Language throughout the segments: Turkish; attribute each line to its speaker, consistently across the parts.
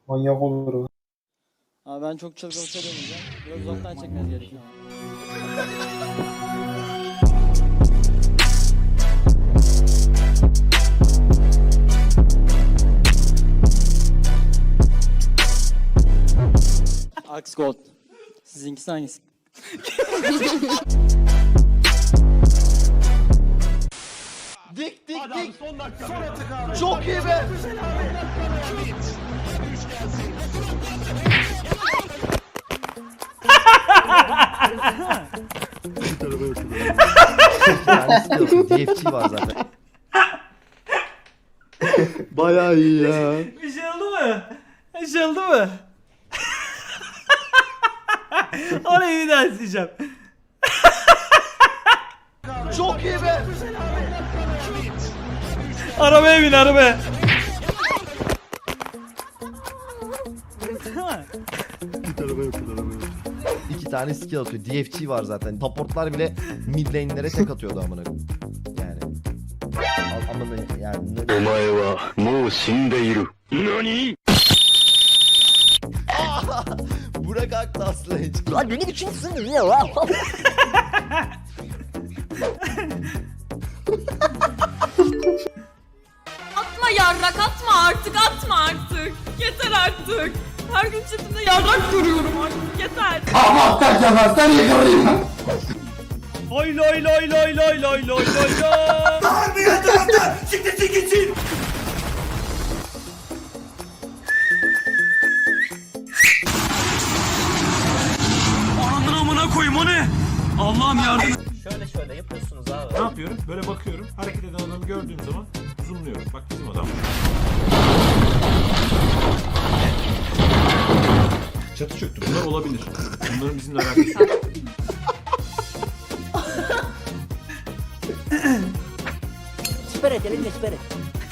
Speaker 1: Manyak olur o.
Speaker 2: Abi ben çok çılgın bir şey demeyeceğim. Biraz uzaktan çekmeniz gerekiyor. Axe Gold. Sizinkisi hangisi?
Speaker 3: Dik. Çok iyi be. DFT var zaten.
Speaker 4: Bayağı iyi ya.
Speaker 5: Bir şey oldu mu? Bir şey oldu mu? Orayı bir daha isteyeceğim.
Speaker 3: Çok iyi be.
Speaker 5: Arabaya bin arabaya.
Speaker 3: İki tane skill atıyor. DFT var zaten. Supportlar bile mid lane'lere tek atıyordu amına. Yani. Amına yani.
Speaker 6: お前はもう死んでいる。何
Speaker 3: Burak Aktas'la hiç.
Speaker 7: Lan beni biçimsin ya lan.
Speaker 8: Atma yarrak atma artık atma artık. Yeter artık. Her gün chatimde yarrak görüyorum artık yeter.
Speaker 5: Lay lay lay lay lay lay lay lay lay.
Speaker 9: Ananın amına koyayım o ne? Allah'ım yardım.
Speaker 7: Şöyle yapıyorsunuz abi.
Speaker 9: Ne yapıyorum? Böyle bakıyorum. Hareket eden adamı gördüğüm zaman zoomluyorum. Bak bizim adam. Çatı çöktü. Bunlar olabilir. Bunların bizimle alakası yok.
Speaker 7: Siper et elinle siper et.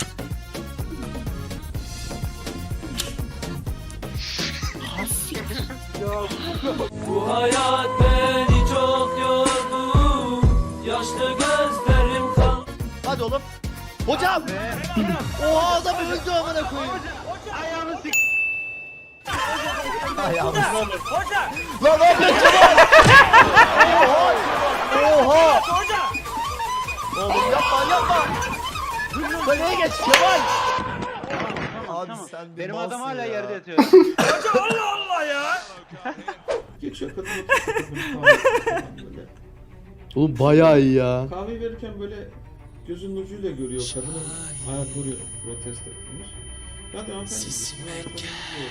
Speaker 9: Bu hayat beni çok yordu. Yaşlı gözlerim kal.
Speaker 3: Hadi oğlum. Hocam. Oha adam öldü amına koyayım. Ayağını sik. Ayağını sik. Lan ne yapıyorsun Kemal? Oha. Oğlum yapma. Kaleye geç Kemal. Abi sen benim adam hala yerde yatıyor.
Speaker 1: Geçiyor kadın
Speaker 4: Oğlum bayağı iyi ya.
Speaker 1: kahve verirken böyle gözünün ucuyla görüyor kadının ayakları protesto etmiş. Hadi hanımefendi.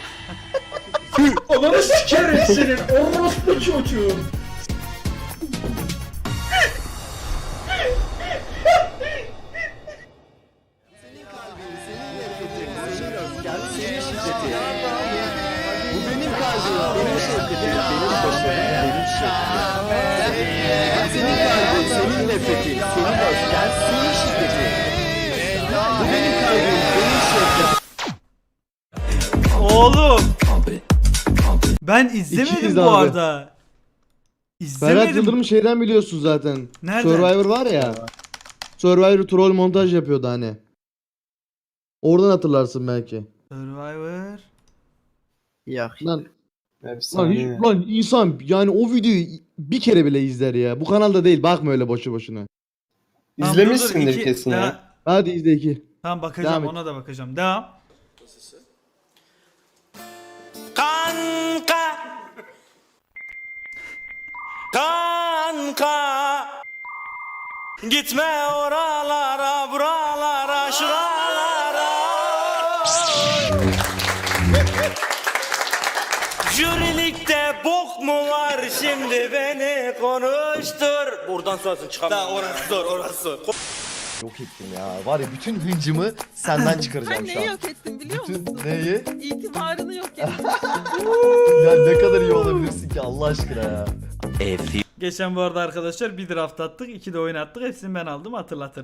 Speaker 1: Ananı sikerim senin orospu çocuğu.
Speaker 3: Bu benim kalbim, benim şevketim, benim başarım, benim şevketim. Senin kalbin, senin nefretin, senin öfken, senin şiddetin. Bu benim kalbim, benim şevketim.
Speaker 5: Oğlum. Ben
Speaker 4: İkiyiz
Speaker 5: izlemedim bu
Speaker 4: abi.
Speaker 5: arada.
Speaker 4: Ferhat
Speaker 5: İzlemedim.
Speaker 4: Yıldırım şeyden biliyorsun zaten.
Speaker 5: Nereden?
Speaker 4: Survivor var ya. Survivor troll montaj yapıyordu hani. Oradan hatırlarsın belki.
Speaker 5: Survivor.
Speaker 4: Lan,
Speaker 1: Efsane.
Speaker 4: lan insan yani o videoyu bir kere bile izler ya. Bu kanalda değil, bakma öyle boşu boşuna.
Speaker 5: Tamam, dur, dur,
Speaker 1: İzlemişsindir
Speaker 5: iki-
Speaker 1: kesin ya.
Speaker 5: daha-
Speaker 4: Hadi izle iki.
Speaker 5: Tamam bakacağım,
Speaker 4: Devam et.
Speaker 5: ona da bakacağım. Devam.
Speaker 9: Kanka. Kanka. Gitme oralara, buralara, şuralara. Jürilikte bok mu var şimdi beni konuştur. Buradan sonrasını çıkamam. Daha orası zor.
Speaker 3: Yok ettim ya, var ya bütün hıncımı senden çıkaracağım
Speaker 8: Sen
Speaker 3: şu
Speaker 8: neyi
Speaker 3: an.
Speaker 8: yok ettin biliyor musun?
Speaker 3: Bütün neyi?
Speaker 8: İtibarını yok ettin.
Speaker 3: Ya ne kadar iyi olabilirsin ki Allah aşkına ya.
Speaker 5: Geçen bu arada arkadaşlar bir draft attık, 2 de oyun attık. Hepsini ben aldım, hatırlatırım.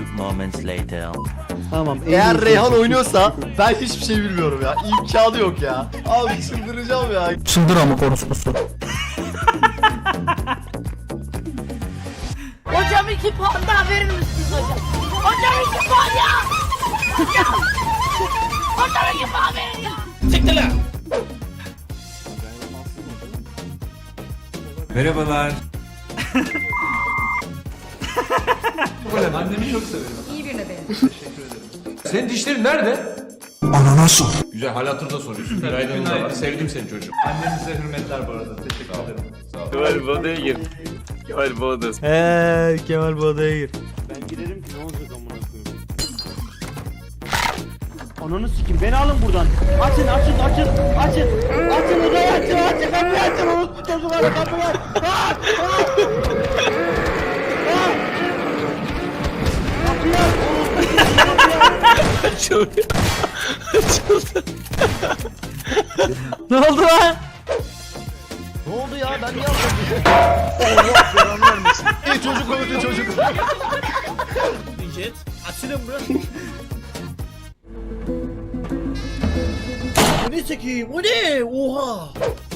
Speaker 4: Tamam. en
Speaker 3: Eğer
Speaker 4: iyisi.
Speaker 3: Reyhan oynuyorsa ben hiçbir şey bilmiyorum ya. İmkanı yok ya. Abi çıldıracağım ya.
Speaker 9: Çıldır ama konuşması.
Speaker 7: Hocam 2 puan daha verir misiniz hocam? Hocam 2 puan ya! Hocam 2 puan verin ya!
Speaker 9: Siktir lan. Merhabalar.
Speaker 10: Annemi çok severim.
Speaker 8: İyi birine benim.
Speaker 10: Teşekkür ederim. Senin dişlerin nerede? Ananas. Güzel, hal hatırda soruyorsun. Günaydın da var. Sevdim seni çocuğum. Annenize hürmetler bu arada. Teşekkür ederim. Sağ ol.
Speaker 3: Kemal bu odaya gir. Kemal bu odası.
Speaker 5: Kemal bu odaya gir.
Speaker 3: Ben girerim ki ne olacak amına koyayım. Ananı sikim beni alın buradan. Açın. Açın odayı açın. Kapıyı açın. Orospu çocukları kapıyı aç. Kapıyı aç. Açıldı.
Speaker 5: Ne oldu lan?
Speaker 3: Ne oldu ya? Ben niye aldım? Allah belanı vermesin. Çocuk öldü çocuk. Jet. Açılın burası. Bu ne çekeyim? O ne? Oha.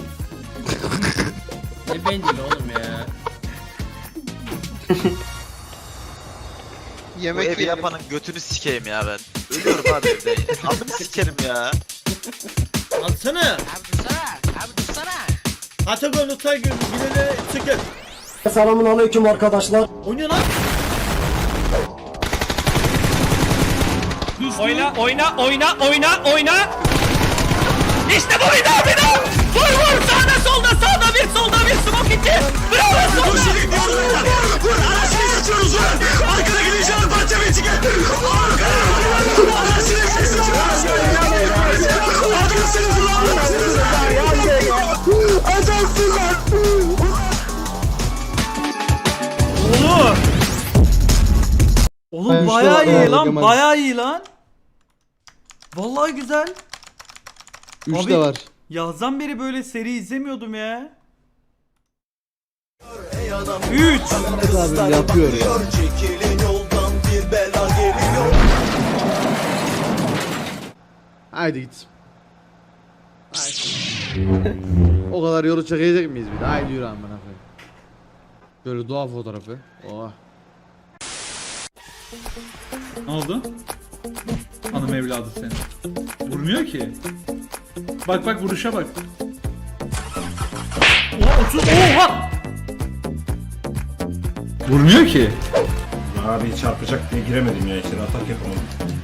Speaker 3: Ne bencil oğlum ya.
Speaker 11: Bu evi yapanın götünü sikeyim ya ben. Ölüyorum abi evde. Adını sikerim ya.
Speaker 3: Alsana.
Speaker 7: Abi dursana.
Speaker 3: Atagon Utay Gül'ü bilene çıkın.
Speaker 2: Selamun aleyküm arkadaşlar.
Speaker 3: O ne lan?
Speaker 9: Oyna. İşte bu bir daha. Vur sağda bir solda bir smoke içi. Bravo solda. Vur anasını geçiyoruz vur. Arkada gideceğiz parça bir çıkın. Anasını geçiyoruz.
Speaker 5: Oğlum
Speaker 4: Ben
Speaker 5: bayağı
Speaker 4: şu-
Speaker 5: iyi
Speaker 4: Aa,
Speaker 5: lan,
Speaker 4: Kemal.
Speaker 5: bayağı iyi lan. Vallahi güzel.
Speaker 4: 3
Speaker 5: Abi-
Speaker 4: de var.
Speaker 5: Yazdan beri böyle seri izlemiyordum ya. 3.
Speaker 4: Abi yapıyor ya. Haydi git. O kadar yolu çekecek miyiz bir de? Haydi yürü amına koyayım. Böyle doğa fotoğrafı. Oha.
Speaker 10: Ne oldu? Hanım evladı senin. Vurmuyor ki. Bak vuruşa bak. Oha! Vurmuyor ki.
Speaker 1: Abi çarpacak diye giremedim ya içeri atak yapamadım.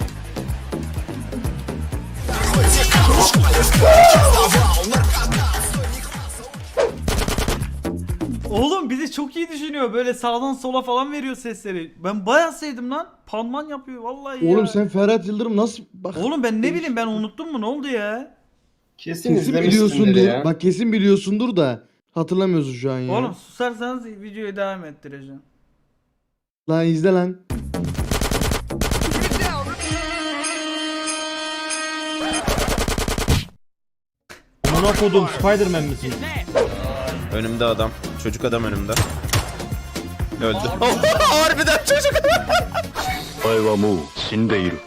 Speaker 5: Oğlum bizi çok iyi düşünüyor. Böyle sağdan sola falan veriyor sesleri. Ben bayağı sevdim lan. Panman yapıyor vallahi ya.
Speaker 4: Oğlum sen Ferhat Yıldırım nasıl bak
Speaker 5: Oğlum ben ne bileyim ben unuttum mu ne oldu ya?
Speaker 4: kesin biliyorsundur. Bak kesin biliyorsundur da hatırlamıyorsun şu an ya.
Speaker 5: Oğlum susarsanız videoyu devam ettireceğim.
Speaker 4: Lan izle lan.
Speaker 3: Amına kodum Spider-Man misin?
Speaker 11: Önümde adam. Çocuk adam önümde. Öldü. Harbiden çocuk.
Speaker 6: お前はもう死んでいる。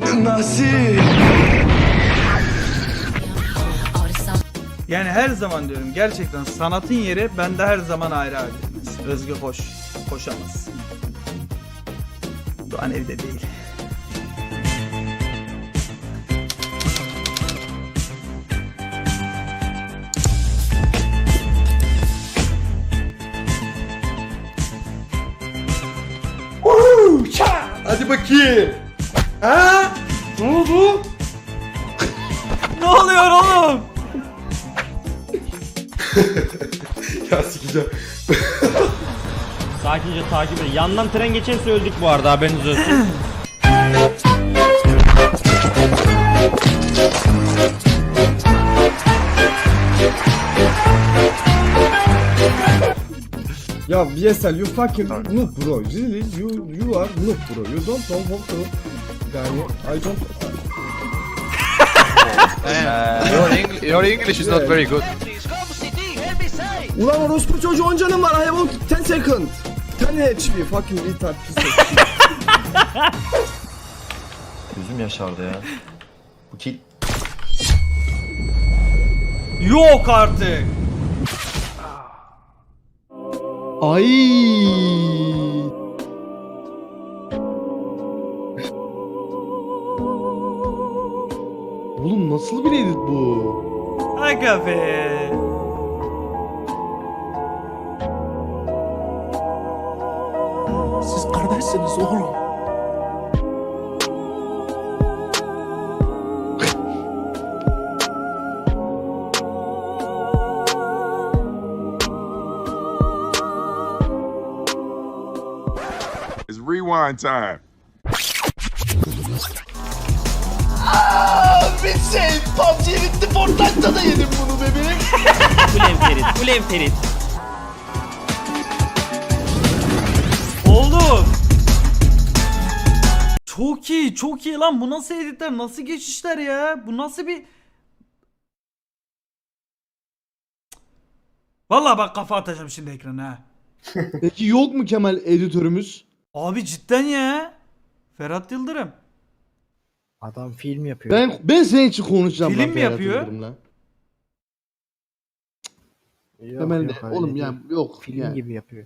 Speaker 5: Yani her zaman diyorum gerçekten sanatın yeri bende her zaman ayrı abi. Özgü hoş. Koşamaz. Doğan evde değil.
Speaker 4: Hadi bakayım. Ha? Ne oldu?
Speaker 5: Ne oluyor oğlum?
Speaker 4: Ya sikeceğim.
Speaker 3: Sakince takip edin. Yandan tren geçerse öldük bu arada haberiniz olsun.
Speaker 2: Ya VSL you fucking noob bro. Really you are noob bro. You don't know how to. Yani I don't.
Speaker 11: Your English is not very good.
Speaker 2: Ulan orospu çocuğu 10 canım var. I have 10 second. 10 HP fucking retard piece of shit.
Speaker 11: Gözüm yaşardı ya. Bu kill.
Speaker 5: Yok artık.
Speaker 4: Ay. Oğlum nasıl bir edit bu?
Speaker 5: Aga be.
Speaker 9: Siz kardeşsiniz oğlum.
Speaker 6: It's rewind time.
Speaker 9: Bitsin. PUBG bitti. Fortnite'da da yedim bunu bebeğim. Ulen Ferit. Ulen Ferit.
Speaker 5: Oğlum. Çok iyi, çok iyi lan. Bu nasıl editler, nasıl geçişler ya? Bu nasıl bir... Vallahi bak kafa atacağım şimdi ekrana ha.
Speaker 4: Peki yok mu Kemal editörümüz?
Speaker 5: Abi cidden ya. Ferhat Yıldırım.
Speaker 3: Adam film yapıyor.
Speaker 4: Ben senin için konuşacağım.
Speaker 5: Film
Speaker 4: lan
Speaker 5: mi
Speaker 4: Ferhat
Speaker 5: yapıyor?
Speaker 4: Yıldırım'la.
Speaker 3: Yok,
Speaker 4: Kemal
Speaker 3: yok,
Speaker 4: de
Speaker 3: öyle
Speaker 4: oğlum
Speaker 3: değil.
Speaker 4: ya yok.
Speaker 3: Film
Speaker 4: yani.
Speaker 3: gibi yapıyor.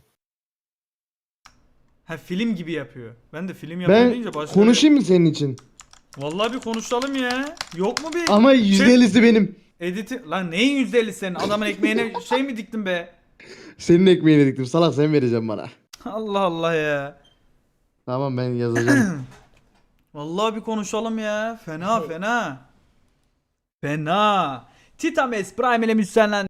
Speaker 5: Ha film gibi yapıyor. Ben de film yapıyor
Speaker 4: Ben
Speaker 5: deyince başka...
Speaker 4: konuşayım mı senin için?
Speaker 5: Vallahi bir konuşalım ya. Yok mu bir...
Speaker 4: Ama %50'si benim.
Speaker 5: Editi... Lan neyin %50'si senin? Adamın ekmeğine şey mi diktin be?
Speaker 4: Senin ekmeğini diktim. Salak sen vereceksin bana.
Speaker 5: Allah Allah ya.
Speaker 4: Tamam ben yazacağım.
Speaker 5: Vallahi bir konuşalım ya. Fena fena. Fena. Titames Prime ile müsyenlen